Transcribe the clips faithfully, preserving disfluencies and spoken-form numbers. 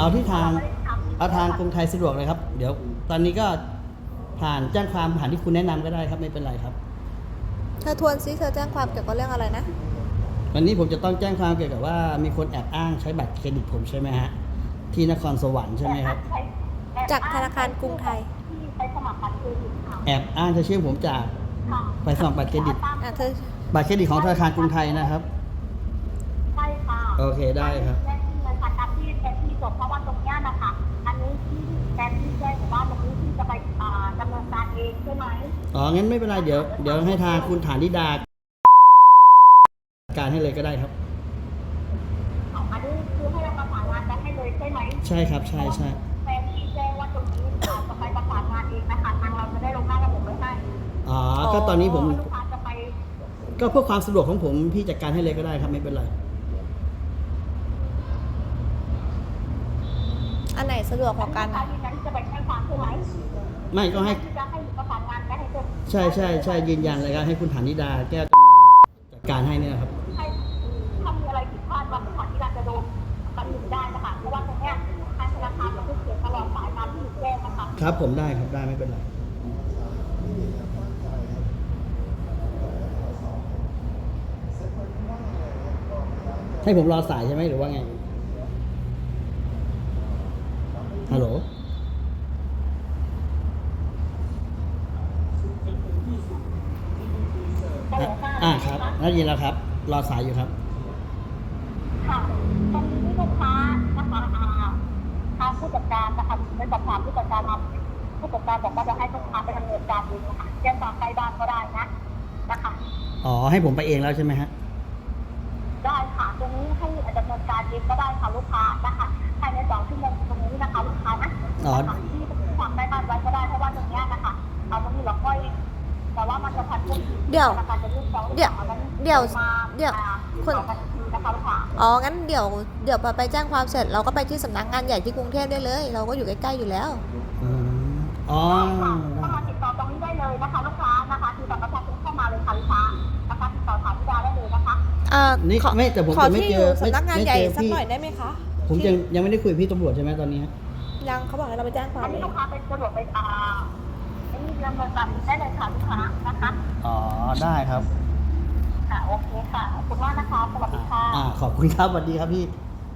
เอาที่ทางไม่ได้ทำเอาทางกรุงไทยสะดวกเลยครับ เดี๋ยวตอนนี้ก็ผ่านแจ้งความผ่านที่คุณแนะนำก็ได้ครับไม่เป็นไรครับเธอทวนซิเธอแจ้งความเกี่ยวกับเรื่องอะไรนะวันนี้ผมจะต้องแจ้งความเกี่ยวกับว่ามีคนแอบอ้างใช้บัตรเครดิตผมใช่ไหมฮะที่นครสวรรค์ใช่ไหมครับจากธนาคารกรุงไทยที่ไปสมัครบัตรเครดิตค่ะแอบอ้างจะชื่อผมจากค่ะไปสมัครบัตรเครดิตอ่ะเธอบัตรเครดิตของธนาคารกรุงไทยนะครับใช่ค่ะโอเคได้ครับแจ้งที่เลยค่ะตามที่แจ้งที่จบเพราะว่าตรงเนี้ยนะคะอันนี้ที่แจ้งที่แจ้งว่าตรงนี้ที่จะไปอ่าดำเนินการเองใช่ไหมอ๋องั้นไม่เป็นไรเดี๋ยวเดี๋ยวให้ทางคุณฐานิดาการให้เลยก็ได้ครับเอาอันนี้คือให้เราประสานงานกันให้เลยใช่ไหมใช่ครับใช่ใช่แฟนที่แจ้งว่าตรงนี้อาจจะไปประสานงานเองนะคะทางเราจะได้ลงหน้าระบบไว้ให้อ๋อก็ตอนนี้ผมลูกค้าจะไปก็เพื่อความสะดวกของผมพี่จัดการให้เลยก็ได้ครับไม่เป็นไรอันไหนสะดวกกว่ากันลูกค้าอะยืนยันที่จะไปแจ้งความใช่ไหมไม่ก็ให้ที่จะให้ประสานงานกันให้เสร็จใช่ใช่ใช่ยืนยันเลยครับให้คุณฐานิดาแก้วจัดการให้เนี่ยครับให้ถ้ามีอะไรผิดพลาดว่าผู้ขอที่เราจะโดนตัดสินได้นะคะเพราะว่าตรงเนี้ยทางธนาคารจะพูดเสียตลอดสายตามที่หนูแจ้งนะคะครับผมได้ครับได้ไม่เป็นไรให้ผมรอสายใช่ไหมหรือว่าไงฮัลโหลอ่ะอ่าครับได้ยินแล้วครับ รอสายอยู่ครับค่ะตรงนี้ลูกค้านะคะอ่าทางผู้จัดการนะคะได้สอบถามผู้จัดการมาผู้จัดการบอกว่าจะให้ลูกค้าไปดำเนินการเองนะคะแจ้งความใกล้บ้านก็ได้นะนะคะอ๋อให้ผมไปเองแล้วใช่ไหมฮะได้ค่ะตรงนี้ให้ดำเนินการเองก็ได้ค่ะลูกค้านะคะภายในสองชั่วโมงตรงนี้นะคะลูกค้านะอ๋อนะคะที่ทำได้บ้านไว้ก็ได้เพราะว่าตรงเนี้ยนะคะเอาตรงนี้เราค่อยแต่ว่ามันจะพันธุ์เดี๋ยวธนาคารจะยื่นฟ้องเดี๋ยวอานั้นเดี๋ยวมาเดี๋ยวอ่าคุณสองนาทีนะคะลูกค้าอ๋อ งั้นเดี๋ยว เดี๋ยวพอไปแจ้งความเสร็จเราก็ไปที่สำนักงานใหญ่ที่กรุงเทพได้เลย เราก็อยู่ใกล้ๆอยู่แล้วอืมอ๋อค่ะเข้าได้มาติดต่อตรงนี้ได้เลยนะคะลูกค้านะคะคือบัตรประชาชนเข้ามาเลยค่ะลูกค้านะคะติดต่อถามพิดาได้เลยนะคะอ่านี่ขอไม่แต่ผมขอจะไม่ที่เจอยู่อไม่สำนักงานไม่ใหญ่เจอสักพี่หน่อยได้ไหมคะผมยังยังไม่ได้คุยกับพี่ตำรวจใช่ไหมตอนนี้ฮะยังเขาบอกให้เราไปแจ้งความอันเอนี้งลูกค้าเป็นสะดวกไปอ่าอันนี้ดำเนินการได้เลยค่ะลูกค้านะคะอ๋อได้ครับค่ะโอเคค่ะขอบคุณมากนะคะสวัสดีค่ะอ่าขอบคุณครับสวัสดีครับพี่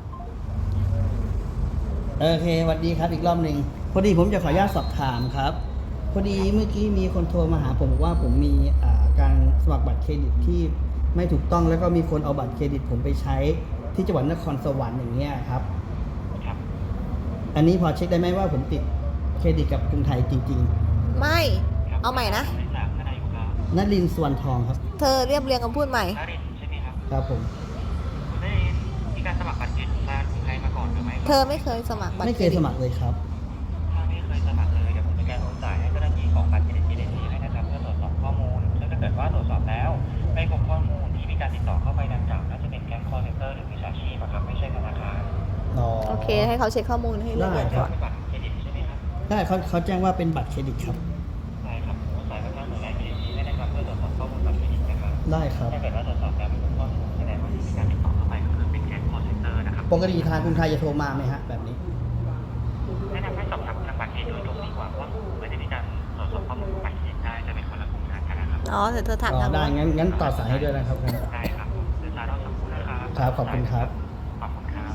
โอเคสวัสดีครับอีกรอบหนึ่งพอดีผมจะขออนุญาตสอบถามครับ พอดีเมื่อกี้มีคนโทรมาหาผมบอกว่าผมมีอ่าการสมัครบัตรเครดิตที่ไม่ถูกต้องแล้วก็มีคนเอาบัตรเครดิตผมไปใช้ที่จังหวัดนครสวรรค์อย่างเงี้ยครับครับอันนี้พอเช็คได้ไหมว่าผมติดเครดิตกับกรุงไทยจริงไม่ครับเอาใหม่นะไม่ทราบทนายอยู่ครับๆนลินทร์สวนทองครับเธอเรียบเรียงคำพูดใหม่นารินทร์ใช่ไหมครับครับผมคุณได้มีการสมัครบัตรเครดิตทางกรุงไทยมาก่อนหรือไม่เธอไม่เคยสมัครบัตรไม่เคยสมัครเลยครับถ้าไม่เคยสมัครเลยเดี๋ยวผมจะการโอนจ่ายให้เจ้าหน้าที่ของบัตรเครดิตเครดิตให้นะครับเพื่อตรวจสอบข้อมูลซึ่งถ้าเกิดว่าตรวจสอบแล้วไม่พบข้อมูลที่มีการติดต่อเข้าไปดังกล่าวน่าจะเป็นแก๊งคอร์เซ็นเตอร์หรือมิจฉาชีพอะครับไม่ใช่ธนาคารอ๋อโอเค ให้เขาเช็คข้อมูลให้เรียบร้อยได้คก่รัอบ นบัตรเครดิตใช่ไหมครับใช่เขาเขาแจ้งว่าเป็นบัตรเครดิตครับใช่ครับโอนจ่ายไปทางหน่วยงานเครดิตให้นะครับเพื่อตรวจสอบข้อมูลบัตรเครดิตนะครับได้ครับถ้าเกิดว่าตรวจสอบแล้วไม่พบข้อมูลแสดงว่าที่มีการติดต่อเข้าไปก็คือเป็นแก๊งคอร์เซ็นเตอร์นะครับปกติทางกรุงไทยจะโทรมาไหมฮะแบบนี้แนะนำให้สอบถามทางบัตรเครดิตโดยตรงดีกว่าเพราะว่าไม่ได้มีการตรวจสอบข้อมูลบัตรเครดิตได้จะเป็นคนละกลุ่มทางกันนะครับอ๋อเดี๋ยวเธอถามอ๋อทางได้นู้นงั้นงั้นต่อสายให้ด้วยนะครับงั้นได้ครับเดี๋ยวสายเราสักครู่นะครับครับขอบคุณครับขอบคุณครับ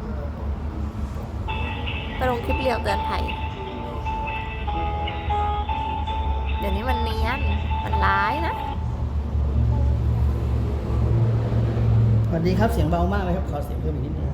ไปลงคลิปเรียวเตือนภัย เดี๋ยวนี้มันเนียน มันร้ายนะสวัสดีครับเสียงเบามากเลยครับขอเสียงเพิ่มอีกนิดนึง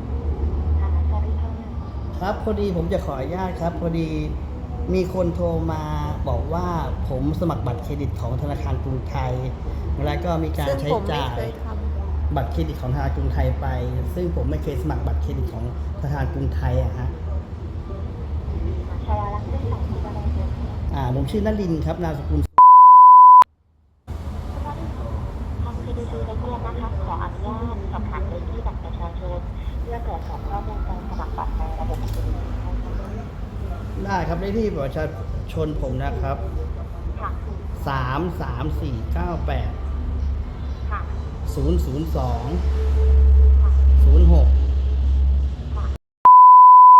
ครับพอดีผมจะขออนุญาตครับ พอดีมีคนโทรมาบอกว่าผมสมัครบัตรเครดิตของธนาคารกรุงไทยแล้วก็มีการซึ่งใช้ผมไม่จ่ายเคยทบัตรเครดิตของธนาคารกรุงไทยไป ซึ่งผมไม่เคยสมัครบัตรเครดิตของธนาคารกรุงไทยอะฮะอ่าผมชื่อนลินทร์ครับนามสกุลทาง พี ดี ซี ได้เรียกนะคะขออนุญาตสอบถามเลขที่บัตรประชาชนเพื่อตรวจสอบข้อมูลการสมัครบัตรในระบบเครดิตนะคะได้ครับได้ที่ประชาชนผมนะครับค่ะสามสามสี่เก้าแปดค่ะศูนย์ศูนย์สองค่ะศูนย์หก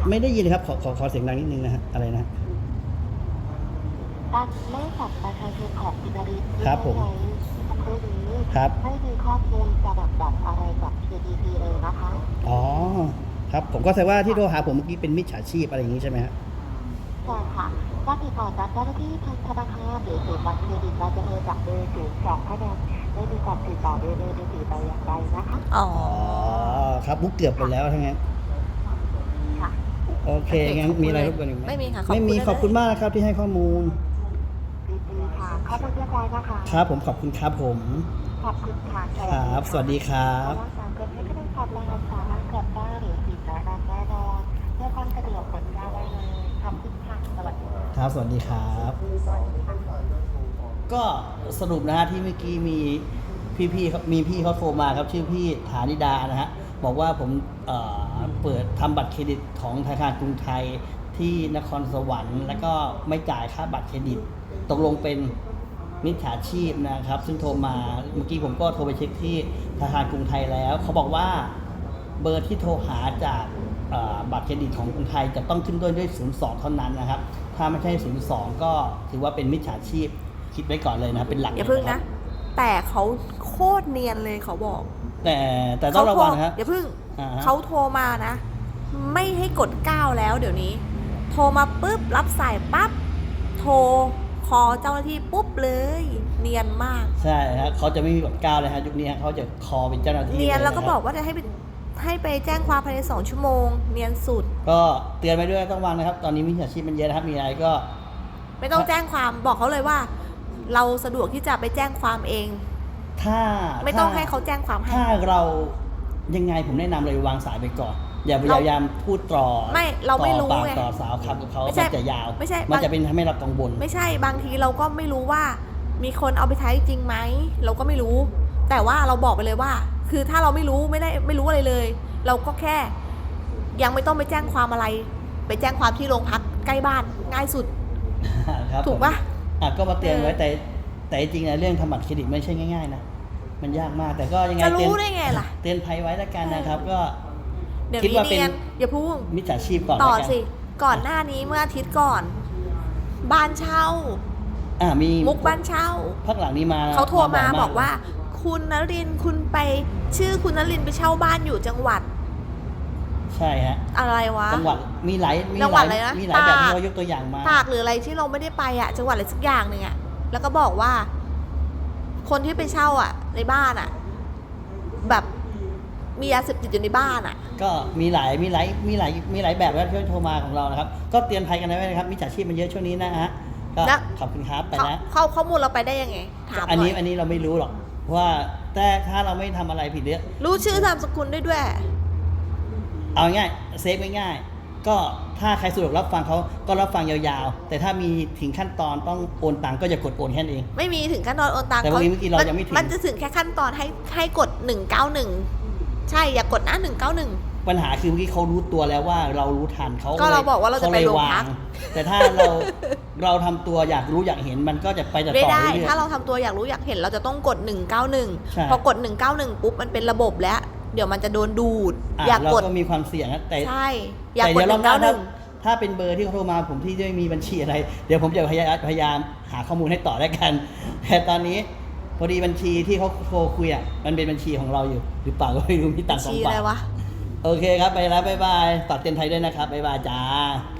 ไม่ได้ยินเลยครับขอขอขอเสียงดังนิดนึงนะฮะอะไรนะการเลขบัตรประชาชนของคุณนริศครับผมใช้คำพูดนี้ครับไม่มีข้อมูลสลับบัตรอะไรกับ เค ดี พี เลยนะคะอ๋อครับผมก็แสดงว่าที่โทรหาผมเมื่อกี้เป็นมิจฉาชีพอะไรอย่างนี้ใช่ไหมฮะใช่ค่ะการติดต่อจากเจ้าหน้าที่ทางธนาคารหรือศูนย์บัตรเครดิตเราจะโทรจากเบอร์ศูนย์สองเท่านั้นไม่มีการติดต่อโดยเบอร์มือถือแต่อย่างใดนะคะอ๋ออ๋อครับบุ๊กเกือบไปแล้วทั้งนั้นค่ะโอเคโอเคงั้นขอบคุณมีอะไรเลยรบกวนอีกไหมไม่มีค่ะขอบคุณไม่มีเลยนะขอบคุณมากนะครับที่ให้ข้อมูลดีๆค่ะข้อมูลเรียบร้อยนะคะครับผมขอบคุณครับผมขอบคุณค่ะครับสวัสดีครับรักษาเกินให้คะแนนความแรงสามารถกลับได้หรือผิดแน่นอนแน่นอนเพื่อความสะดวกกดได้เลยขอบคุณค่ะสวัสดีค่ะครับสวัสดีครับ ก็สรุปนะฮะที่เมื่อกี้มีพี่ๆครับมีพี่เขาโทรมาครับชื่อพี่ฐานิดานะฮะบอกว่าผมเอ่อเปิดทำบัตรเครดิตของธนาคารกรุงไทยที่นครสวรรค์ แล้วก็ไม่จ่ายค่าบัตรเครดิตตกลงเป็นมิจฉาชีพนะครับ ซึ่งโทรมาเมื่อกี้ผมก็โทรไปเช็คที่ธนาคารกรุงไทยแล้ว เขาบอกว่าเบอร์ที่โทรหาจากเอ่อบัตรเครดิตของกรุงไทยจะต้องขึ้นด้วยด้วย ศูนย์ สอง เท่านั้นนะครับ ถ้าไม่ใช่ ศูนย์ สอง ก็ถือว่าเป็นมิจฉาชีพคิดไว้ก่อนเลยนะเป็นหลักอย่าพึ่งครันะบแต่เขาโคตรเนียนเลยเขาบอกแต่แต่ต้องระวังนะครับอย่าพึ่งอ่าฮะเขาโทรมานะ ไม่ให้กดเก้าแล้วเดี๋ยวนี้ โทรมาปุ๊บรับสายปั๊บโทรคอเจ้าหน้าที่ปุ๊บเลย เนียนมากใช่ฮะเขาจะไม่มีบัตรก้าวเลยฮะยุคนี้ฮะเขาจะคอเป็นเจ้าหน้าที่เนียนแล้วก็ะครับบอกว่าจะให้ไปให้ไปแจ้งความภายในสองชั่วโมง เนียนสุดก็เตือนไปด้วยต้องระวังนะครับ ตอนนี้มิจฉาชีพมันเยอะนะครับมีอะไรก็ไม่ต้องแจ้งความบอกเขาเลยว่า เราสะดวกที่จะไปแจ้งความเองถ้าไม่ต้องถ้ให้เขาแจ้งความให้ถ้าเรายังไงผมแนะนำเลยวางสายไปก่อน อย่าพเรายายามพูดต่อไม่เราไม่รู้ต่อปากไงต่อสาวคำกับเขาไม่ใช่มันจะยาวไม่ใช่มันบางจะเป็นทำให้เรากังวลไม่ใช่บางทีเราก็ไม่รู้ว่า มีคนเอาไปใช้จริงไหมเราก็ไม่รู้ แต่ว่าเราบอกไปเลยว่า คือถ้าเราไม่รู้ไม่ได้ไม่รู้อะไรเลย เราก็แค่ ยังไม่ต้องไปแจ้งความอะไร ไปแจ้งความที่โรงพักใกล้บ้านง่ายสุดครับถูกปะอ่ะก็มาเตือนไว้เออแต่แต่จริงๆนะเรื่องทำบัตรเครดิตไม่ใช่ง่ายๆนะมันยากมากแต่ก็ยังไงจะเตือนรู้ได้ไงล่ะเตือนภัยไว้แล้วกันนะครับ ก็เดี๋ยวคิดนี้ว่าเป็นเนียนอย่าพูดมิจฉาชีพก่อนต่อแล้วกันสิ ก่อนหน้านี้เมื่ออาทิตย์ก่อน บ้านเช่าอ่ามีมุกบ้านเช่าพักหลังนี้มาเขาโทรมาบ่ยบอกว่า คุณนรินทร์คุณไปชื่อคุณนรินทร์ไปเช่าบ้านอยู่จังหวัดใช่ฮะอะไรวะจังหวัดมีหลายมีจังหหวัลาดยอะไรนะมีหลายแบบตากที่เขายกตัวอย่างมาตากหรืออะไรที่เราไม่ได้ไปอะจังหวัดอะไรสักอย่างหนึ่งอะแล้วก็บอกว่า คนที่ไปเช่าอะในบ้านอะแบบมียาเสพติดอยู่ในบ้านอะก็มีหลายมีหลายมีหลายมีหลายแบบแล้วที่โทรมาของเรานะครับ ก็เตือนภัยกันไว้นะครับมิจฉาชีพมันเยอะช่วงนี้นะฮะก็ขอบคุณครับไปเขานะเขาข้อมูลเราไปได้ยังไง ถามหอันน่นี้อยอันนี้เราไม่รู้หรอกว่าแต่ถ้าเราไม่ทำอะไรผิดเนี่ยรู้ชื่อนามสกุลได้ด้วยเอาง่ายเซฟง่ายๆก็ถ้าใครสะดวกรับฟังเขาก็รับฟังยาวๆ แต่ถ้ามีถึงขั้นตอนต้องโอนตังค์ก็จะกดโอนแค่นั้นเองไม่มีถึงขั้นตอนโอนตังค์แต่วันนี้เมื่อกี้เรายังไม่ถึงมันจะถึงแค่ขั้นตอนให้ให้กดหนึ่งเก้าหนึ่งใช่อย่ากดนะหนึ่งเก้าหนึ่งปัญหาคือเมื่อกี้เขารู้ตัวแล้วว่าเรารู้ทันเขาก็เราบอกว่าเราจะไปขลยโรงพักวแต่ถ้าเรา เราทำตัวอยากรู้อยากเห็นมันก็จะไปต่อไม่ต่อได้เรื่อยถ้าเราทำตัวอยากรู้อยากเห็นเราจะต้องกดหนึ่งเก้าหนึ่งใช่พอกดหนึ่งเก้าหนึ่งปุ๊บมันเป็นระบบแล้ว เดี๋ยวมันจะโดนดูดอ่ะอยากเรากดก็มีความเสี่ยงนะแต่ใช่ อยากแต่กดเดี๋ยวหรอนึ่บงหน้าเก้าหถ้านึ่งถ้าเป็นเบอร์ที่เขาโทรมาผมที่ไม่มีบัญชีอะไร เดี๋ยวผมจะพยายามพยายามหาข้อมูลให้ต่อแล้วกัน แต่ตอนนี้พอดีบัญชีที่เขาโทรคุยอ่ะมันเป็นบัญชีของเราอยู่หรือเปล่าก็ไม่รู้มีตังค์สองชี้บาอะไรทวะโอเคครับ ไปแล้ว บ๊ายบายฝากเตือนภัยด้วยนะครับ บ๊ายบายจ้า